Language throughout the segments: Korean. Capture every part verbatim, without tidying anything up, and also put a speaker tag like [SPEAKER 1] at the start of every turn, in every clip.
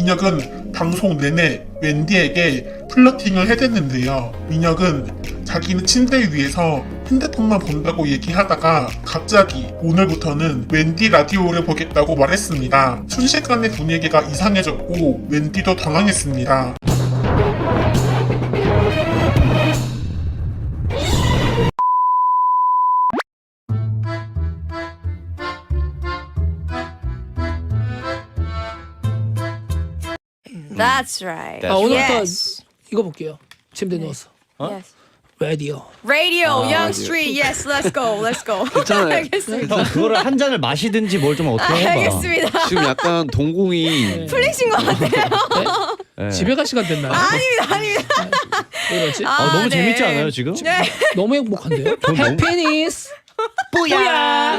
[SPEAKER 1] 민혁은 방송 내내 웬디에게 플러팅을 해댔는데요. 민혁은 자기는 침대 위에서 핸드폰만 본다고 얘기하다가 갑자기 오늘부터는 웬디 라디오를 보겠다고 말했습니다. 순식간에 분위기가 이상해졌고 웬디도 당황했습니다.
[SPEAKER 2] That's right.
[SPEAKER 3] 아, 오늘부터
[SPEAKER 2] Yes.
[SPEAKER 3] 이거 볼게요. 침대 누워서.
[SPEAKER 2] Yes.
[SPEAKER 3] 라디오.
[SPEAKER 2] Radio, Young Street. Yes, let's go. Let's go.
[SPEAKER 4] 괜찮아요.
[SPEAKER 2] 알겠습니다.
[SPEAKER 5] 형 그거를 한 잔을 마시든지 뭘 좀
[SPEAKER 2] 아,
[SPEAKER 5] 어떻게 해봐.
[SPEAKER 2] 알겠습니다.
[SPEAKER 4] 지금 약간 동공이
[SPEAKER 2] 풀리신 것 같아요.
[SPEAKER 5] 네.
[SPEAKER 3] 집에 갈 시간 됐나요?
[SPEAKER 2] 아닙니다, 아닙니다.
[SPEAKER 3] 왜 그러지?
[SPEAKER 2] 아,
[SPEAKER 5] 아, 너무
[SPEAKER 2] 네.
[SPEAKER 5] 재밌지 않아요 지금?
[SPEAKER 2] 네.
[SPEAKER 3] 너무 행복한데요?
[SPEAKER 5] 전 너무-
[SPEAKER 3] 해피니스.
[SPEAKER 2] 뿌야.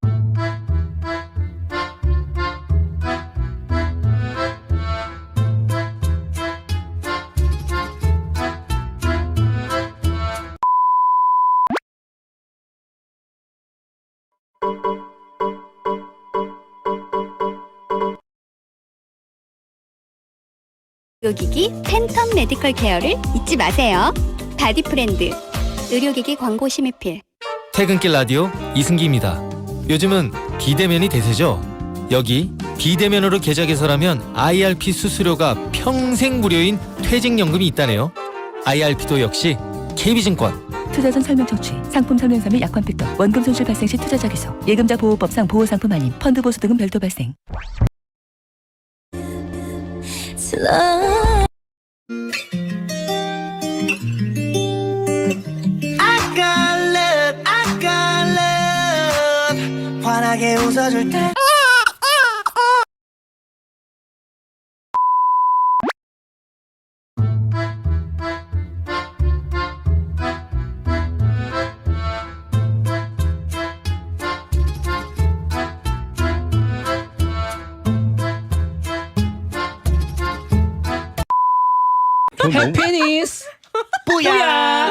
[SPEAKER 6] 의료기기 팬텀 메디컬 케어를 잊지 마세요. 바디프렌드 의료기기 광고 심의필.
[SPEAKER 7] 퇴근길 라디오 이승기입니다. 요즘은 비대면이 대세죠. 여기 비대면으로 계좌 개설하면 아이알피 수수료가 평생 무료인 퇴직연금이 있다네요. 아이알피도 역시 케이비증권.
[SPEAKER 8] 투자전 설명 청취, 상품 설명서 및 약관 획득, 원금 손실 발생 시 투자자 기소, 예금자 보호법상 보호상품 아님, 펀드 보수 등은 별도 발생.
[SPEAKER 9] 환하게 웃어줄 때
[SPEAKER 5] 전 너무-
[SPEAKER 3] 해피니스.
[SPEAKER 9] 뿌야.